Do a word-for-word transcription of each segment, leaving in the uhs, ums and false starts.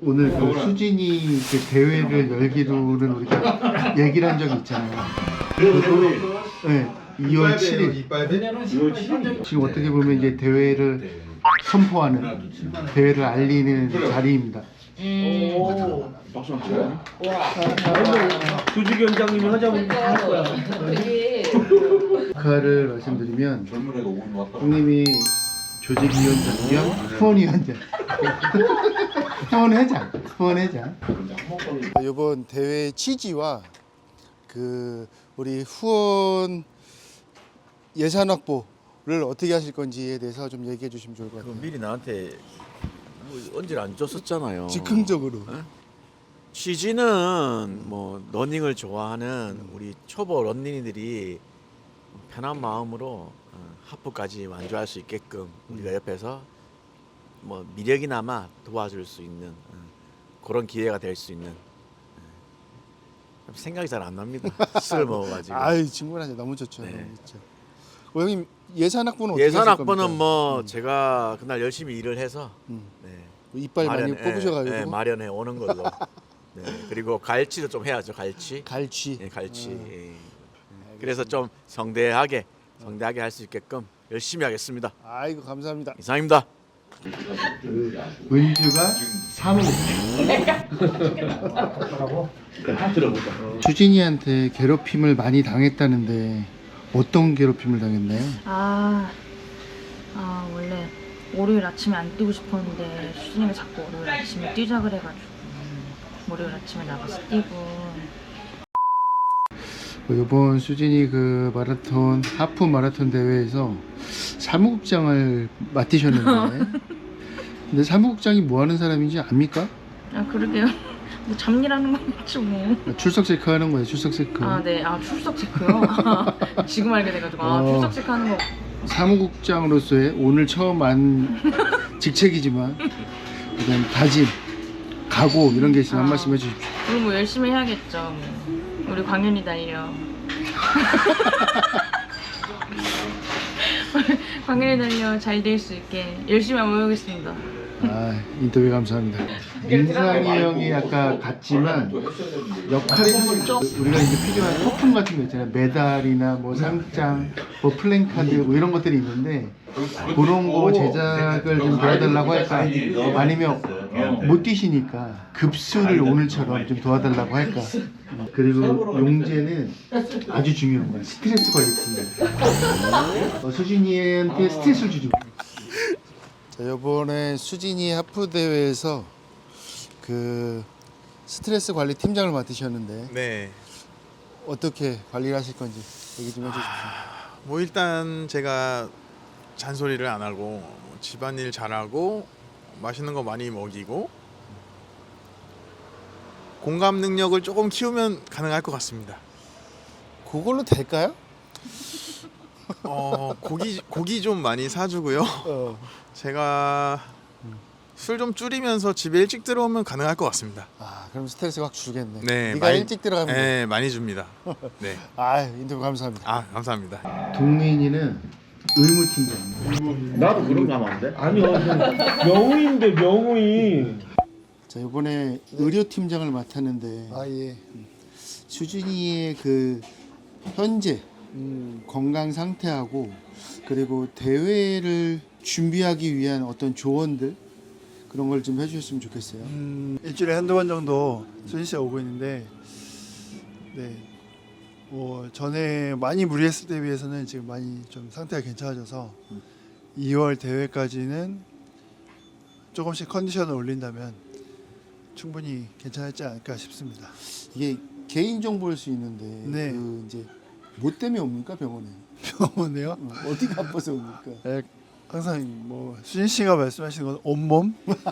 오늘 그 수진이 그 대회를 열기로는 우리가 얘기를 한 적이 있잖아요. 네, 이월 칠일. 지금 어떻게 보면 이제 대회를 선포하는, 대회를 알리는 자리입니다. 음. 조직 위원장님이 하자면 할 거야. 축하를 말씀드리면 형님이 조직위원장 겸 후원위원장 후원회장 후원회장 이번 대회 취지와 그 우리 후원 예산 확보를 어떻게 하실 건지에 대해서 좀 얘기해 주시면 좋을 것 같아요. 미리 나한테 뭐 언질 안 줬었잖아요. 즉흥적으로. 에? 취지는 뭐 러닝을 좋아하는 우리 초보 런닝이들이 편한 마음으로 어, 하프까지 완주할 수 있게끔 우리가 옆에서 뭐 미력이나마 도와줄 수 있는 어, 그런 기회가 될 수 있는 어, 생각이 잘 안 납니다. 술을 먹어가지고. 아유 충분하죠. 너무 좋죠. 네. 너무 좋죠. 어, 형님 예산 확보는 어떻게 예산 하실 확보는 겁니까? 뭐 음. 제가 그날 열심히 일을 해서 음. 네, 이빨 많이 마련해- 뽑으셔가지고 예, 예, 마련해 오는 걸로. 네, 그리고 갈치도 좀 해야죠. 갈치. 갈취. 예, 갈치. 음. 예. 그래서 좀 성대하게 성대하게 할 수 있게끔 열심히 하겠습니다. 아이고 감사합니다. 이상입니다. 은주가 사무. 주진이한테 괴롭힘을 많이 당했다는데 어떤 괴롭힘을 당했나요? 아, 아 원래 월요일 아침에 안 뛰고 싶었는데 수진이가 자꾸 월요일 아침에 뛰자 그래가지고 월요일 아침에 나가서 뛰고. 이번 수진이 그 마라톤 하프 마라톤 대회에서 사무국장을 맡으셨는데 근데 사무국장이 뭐 하는 사람인지 압니까? 아 그러게요. 뭐 잡일하는 거겠죠 뭐. 출석 체크하는 거예요. 출석 체크. 아 네, 아 출석 체크요. 지금 알게 돼가지고 아 어. 출석 체크하는 거. 사무국장으로서의 오늘 처음 한 직책이지만 그다음 다짐, 각오 이런 게 있으면 한 아. 말씀 해주십시오. 그리고 뭐 열심히 해야겠죠. 뭐. 우리 광현이 달려. 광현이 달려 잘 될 수 있게 열심히 한번 해보겠습니다. 아 인터뷰 감사합니다. 민상이 형이 아까 갔지만 역할이 사실 우리가 이제 필요한 소품 같은 거 있잖아요. 메달이나 뭐 상장, 뭐 플랜카드 뭐 이런 것들이 있는데 그런 거 제작을 좀 도와달라고 할까? 아니면 못 뛰시니까 급수를 오늘처럼 좀 도와달라고 할까? 그리고 용재는 아주 중요한 거야. 스트레스 관리 팀. 어, 수진이한테 스트레스를 주지. 자, 이번에 수진이 하프 대회에서 그 스트레스 관리 팀장을 맡으셨는데 네. 어떻게 관리를 하실 건지 얘기 좀 해주십시오. 뭐 일단 제가 잔소리를 안 하고 뭐 집안일 잘하고 맛있는 거 많이 먹이고 공감 능력을 조금 키우면 가능할 것 같습니다. 그걸로 될까요? 어 고기 고기 좀 많이 사주고요. 어. 제가 술 좀 줄이면서 집에 일찍 들어오면 가능할 것 같습니다. 아 그럼 스트레스 확 줄겠네. 네, 네가 많이- 일찍 들어가면 돼. 네, 많이 줍니다. 네. 아 인터뷰 감사합니다. 아 감사합니다. 동민이는 의무팀장입니다. 나도 그런 거 하면 안 돼? 아니요. 명우인데 명우인. 자 이번에 의료팀장을 맡았는데 아 예. 수진이의 그 현재 음, 건강 상태하고 그리고 대회를 준비하기 위한 어떤 조언들 그런 걸 좀 해주셨으면 좋겠어요. 음, 일주일에 한두 번 정도 수진 씨가 오고 있는데, 네, 뭐 전에 많이 무리했을 때 비해서는 지금 많이 좀 상태가 괜찮아져서 이월 대회까지는 조금씩 컨디션을 올린다면 충분히 괜찮았지 않을까 싶습니다. 이게 개인 정보일 수 있는데 네. 그 이제 뭐 때문에 옵니까 병원에? 병원에요? 어, 어디가 아파서 옵니까? 네, 항상 뭐 수진 씨가 말씀하시는 건 온몸?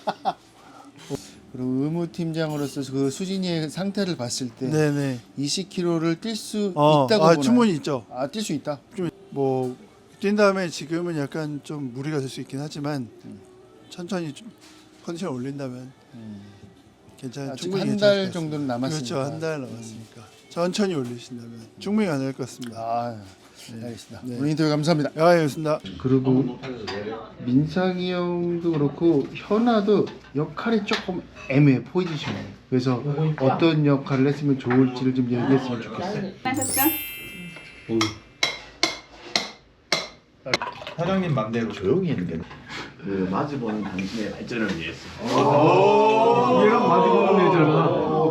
그리고 의무팀장으로서 그 수진이의 상태를 봤을 때 네네. 이십 킬로미터를 뛸 수 어, 있다고 아, 보나요? 충분히 있죠. 아, 뛸 수 있다. 뭐 뛴 다음에 지금은 약간 좀 무리가 될 수 있긴 하지만 천천히 좀 컨디션 올린다면 괜찮은 아직 충분히 한 괜찮을 달 것 같습니다. 정도는 남았으니까. 그렇죠, 한 달 남았으니까 천천히 올리신다면 충분히 가능할 것 같습니다. 아, 알겠습니다. 네. 오늘 인터뷰 감사합니다. 아, 예, 알겠습니다. 그리고 민상이 형도 그렇고 현아도 역할이 조금 애매해 포지션이. 그래서 어떤 역할을 했으면 좋을지를 좀 얘기했으면 좋겠어요. 사장님 맘대로 조용히 했는데 그 마주보는 당신의 발전을 위해서. 얘랑 마주보는 애잖아.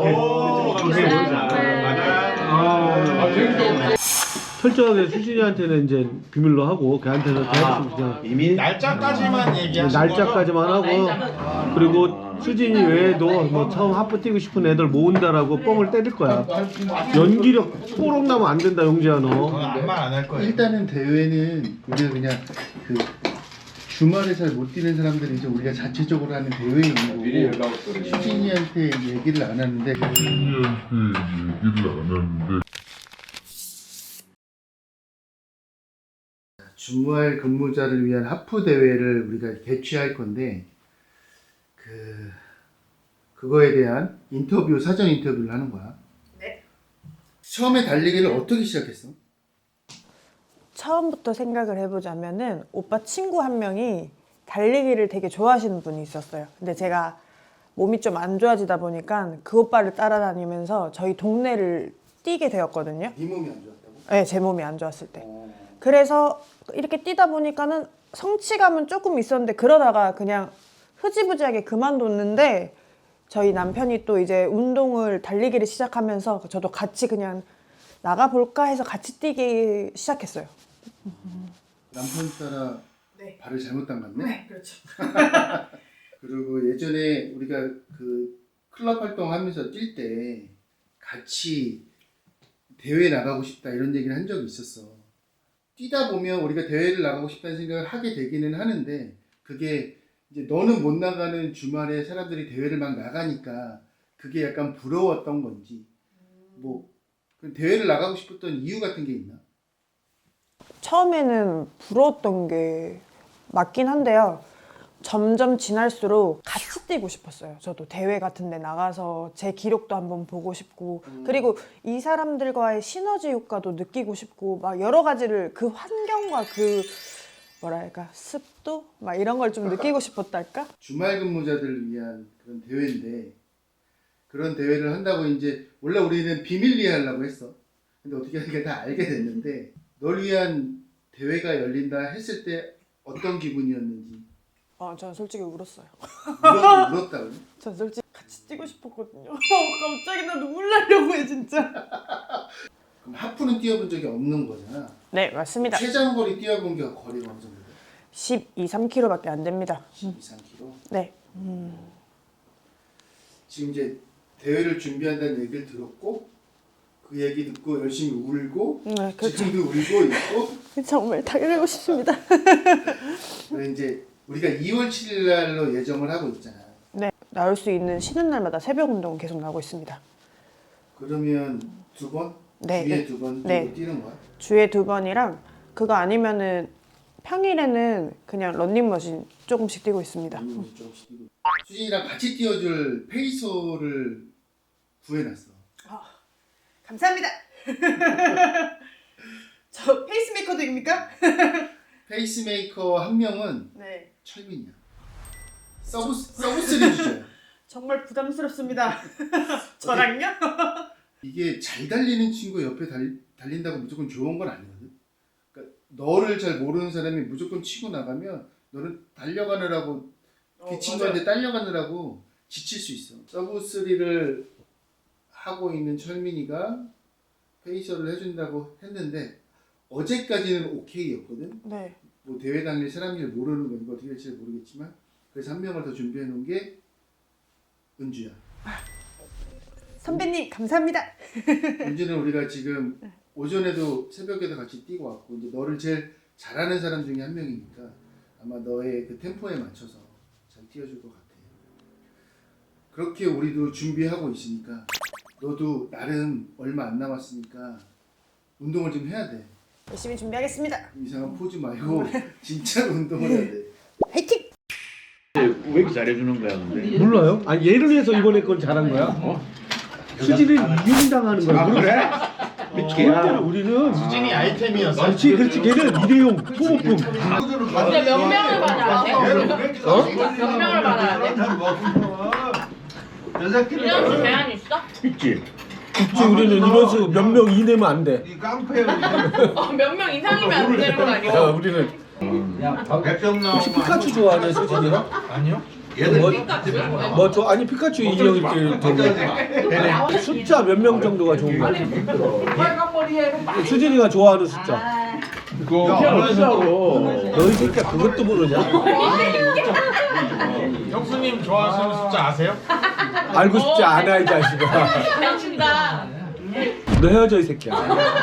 철저하게 수진이한테는 이제 비밀로 하고 걔한테는 계속 그냥 비밀 날짜까지만 얘기하신 날짜까지만 하고 그리고 수진이 외에도 뭐 처음 하프 뛰고 싶은 애들 모은다라고 뻥을 때릴 거야. 연기력 뽀록 나면 안 된다 용지야 너. 아무 말 안 할 거예요. 일단은 대회는 우리가 그냥 그 주말에 잘 못 뛰는 사람들이 이제 우리가 자체적으로 하는 대회인 거고 수진이한테 얘기를 안 하는데 주말 근무자를 위한 하프 대회를 우리가 개최할 건데 그 그거에 대한 인터뷰 사전 인터뷰를 하는 거야. 네. 처음에 달리기를 어떻게 시작했어? 처음부터 생각을 해보자면은 오빠 친구 한 명이 달리기를 되게 좋아하시는 분이 있었어요. 근데 제가 몸이 좀 안 좋아지다 보니까 그 오빠를 따라다니면서 저희 동네를 뛰게 되었거든요. 네 몸이 안 좋았다고? 네, 제 몸이 안 좋았을 때. 어. 그래서 이렇게 뛰다 보니까는 성취감은 조금 있었는데 그러다가 그냥 흐지부지하게 그만뒀는데 저희 남편이 또 이제 운동을 달리기를 시작하면서 저도 같이 그냥 나가볼까 해서 같이 뛰기 시작했어요. 남편 따라 네. 발을 잘못 담갔네? 네, 그렇죠. 그리고 예전에 우리가 그 클럽 활동하면서 뛸 때 같이 대회 나가고 싶다 이런 얘기를 한 적이 있었어. 뛰다 보면 우리가 대회를 나가고 싶다는 생각을 하게 되기는 하는데 그게 이제 너는 못 나가는 주말에 사람들이 대회를 막 나가니까 그게 약간 부러웠던 건지 뭐 대회를 나가고 싶었던 이유 같은 게 있나? 처음에는 부러웠던 게 맞긴 한데요. 점점 지날수록 같이 뛰고 싶었어요. 저도 대회 같은 데 나가서 제 기록도 한번 보고 싶고 음. 그리고 이 사람들과의 시너지 효과도 느끼고 싶고 막 여러 가지를 그 환경과 그 뭐랄까 습도 막 이런 걸 좀 느끼고 싶었달까? 주말 근무자들을 위한 그런 대회인데 그런 대회를 한다고 이제 원래 우리는 비밀리에 하려고 했어. 근데 어떻게 하니까 다 알게 됐는데 널 위한 대회가 열린다 했을 때 어떤 기분이었는지 어, 전 솔직히 울었어요. 울었, 울었다고? 전 솔직히 같이 뛰고 싶었거든요. 어, 갑자기 나 눈물 나려고 해 진짜. 그럼 하프는 뛰어본 적이 없는 거잖아. 네 맞습니다. 최장거리 뛰어본 게 거리가 어느 정도 돼? 십이, 삼 킬로미터밖에 안 됩니다. 십이, 삼 킬로미터? 네. 지금 이제 대회를 준비한다는 얘기를 들었고 그 얘기 듣고 열심히 울고 네 그렇죠. 지금도 울고 있고 정말 달리고 싶습니다. 그래 이제 우리가 이월 칠일 날로 예정을 하고 있잖아. 네 나올 수 있는 쉬는 날마다 새벽 운동은 계속 나오고 있습니다. 그러면 두 번? 네, 주에 네. 두 번 정도 네. 뛰는 거야? 주에 두 번이랑 그거 아니면은 평일에는 그냥 런닝머신 조금씩 뛰고 있습니다. 음, 조금씩 뛰고. 수진이랑 같이 뛰어줄 페이서를 구해놨어. 감사합니다. 저 페이스메이커들입니까? 페이스메이커 한 명은 네. 철민이야. 서브 서브스리 주자야. 정말 부담스럽습니다. 저랑요? 이게 잘 달리는 친구 옆에 달, 달린다고 무조건 좋은 건 아니거든. 그러니까 너를 잘 모르는 사람이 무조건 치고 나가면 너는 달려가느라고 그 어, 친구한테 딸려가느라고 지칠 수 있어. 서브쓰리를 하고 있는 철민이가 페이서를 해준다고 했는데 어제까지는 오케이였거든. 네. 뭐 대회 당일 사람일 모르는 거니까 어떻게 될지 모르겠지만 그래서 한 명을 더 준비해 놓은 게 은주야. 선배님 감사합니다. 은주는 우리가 지금 오전에도 새벽에도 같이 뛰고 왔고 이제 너를 제일 잘하는 사람 중에 한 명이니까 아마 너의 그 템포에 맞춰서 잘 뛰어줄 것 같아. 그렇게 우리도 준비하고 있으니까 너도 나름 얼마 안 남았으니까 운동을 좀 해야 돼. 열심히 준비하겠습니다. 이상한 포즈 말고 진짜로 운동을 해야 돼. 화이팅! 왜 이렇게 잘해주는 거야 근데? 몰라요? 아니 얘를 위해서 이번에 건 잘한 거야? 수진을 이용당하는 거야. 아 그래? 절대로 우리는 수진이 아이템이었어. 그렇지 그렇지 걔는 일회용 소모품. 근데 몇 명을 받아야 돼? 어? 몇 명을 받아야 돼? 일 년치 제한 있어? 있지. 있지 우리는 인원수 몇 명 이내면 안 돼. 어, 몇 명 이상이면 안 되는 거 아니야? 야, 우리는 혹시 피카츄 좋아하냐 수진이가? 아니요. 뭐, 뭐 저, 아니 피카츄 인형 이렇게 좋네. 숫자 몇 명 정도가 좋은 거 같아? 수진이가 좋아하는 숫자. 너희 새끼야 그것도 모르냐? 형수님 좋아하시는 숫자 아세요? 알고 싶지 않아 이 자식아. 미친다. 너 헤어져 이 새끼야.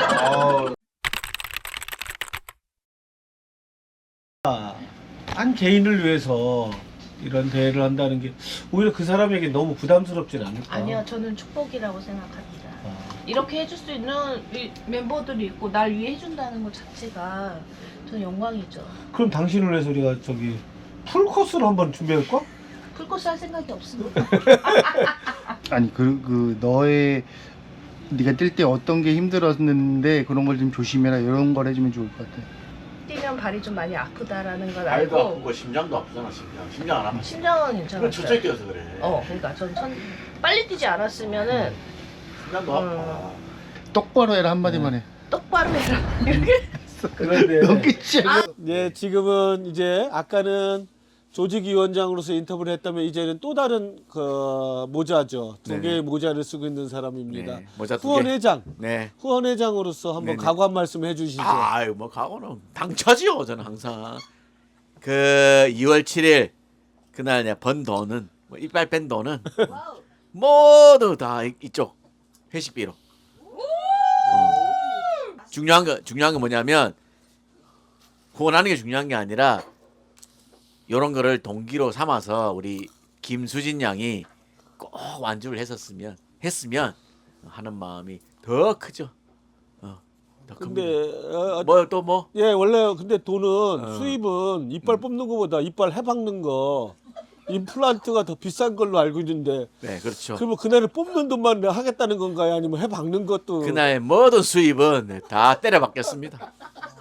한 개인을 위해서 이런 대회를 한다는 게 오히려 그 사람에게 너무 부담스럽진 않을까? 아니요, 저는 축복이라고 생각합니다. 이렇게 해줄 수 있는 이 멤버들이 있고 날 위해 해준다는 것 자체가 저는 영광이죠. 그럼 당신을 위해서 우리가 저기 풀 코스를 한번 준비할까? 풀코스 할 생각이 없습니다. 아니 그, 그 너의 네가 뛸 때 어떤 게 힘들었는데 그런 걸 좀 조심해라 이런 걸 해주면 좋을 것 같아. 뛰면 발이 좀 많이 아프다라는 걸 발도 알고 아프고 심장도 아프잖아 심장. 심장 안 아파. 심장은 그건 괜찮았어요. 저쪽에 뛰어서 그래. 어, 그러니까 전 천, 빨리 뛰지 않았으면은 심장도 아파. 똑바로 해라 한마디만 해. 똑바로 해라. 그런데 넌 끝이야. 예, 지금은 이제 아까는 조직위원장으로서 인터뷰를 했다면 이제는 또 다른 그 모자죠. 두 네네. 개의 모자를 쓰고 있는 사람입니다. 네, 모자 두 개. 후원회장, 네. 후원회장으로서 한번 네네. 각오 한 말씀 해주시죠. 아유 뭐 각오는 당차지요 저는 항상. 그 이월 칠일 그날 내가 번 돈은 뭐 이빨 뺀 돈은 모두 다 이- 이쪽 회식비로. 어. 중요한 거 중요한 건 뭐냐면 후원하는 게 중요한 게 아니라 이런 거를 동기로 삼아서 우리 김수진 양이 꼭 완주를 했었으면 했으면 하는 마음이 더 크죠. 어, 더 근데 큽니다. 어, 뭐 또 뭐? 예, 원래 근데 돈은 어. 수입은 이빨 뽑는 거보다 이빨 해박는 거 임플란트가 더 비싼 걸로 알고 있는데 네, 그렇죠. 그러면 그날을 뽑는 돈만 하겠다는 건가요? 아니면 해박는 것도 그날 모든 수입은 다 때려 받겠습니다.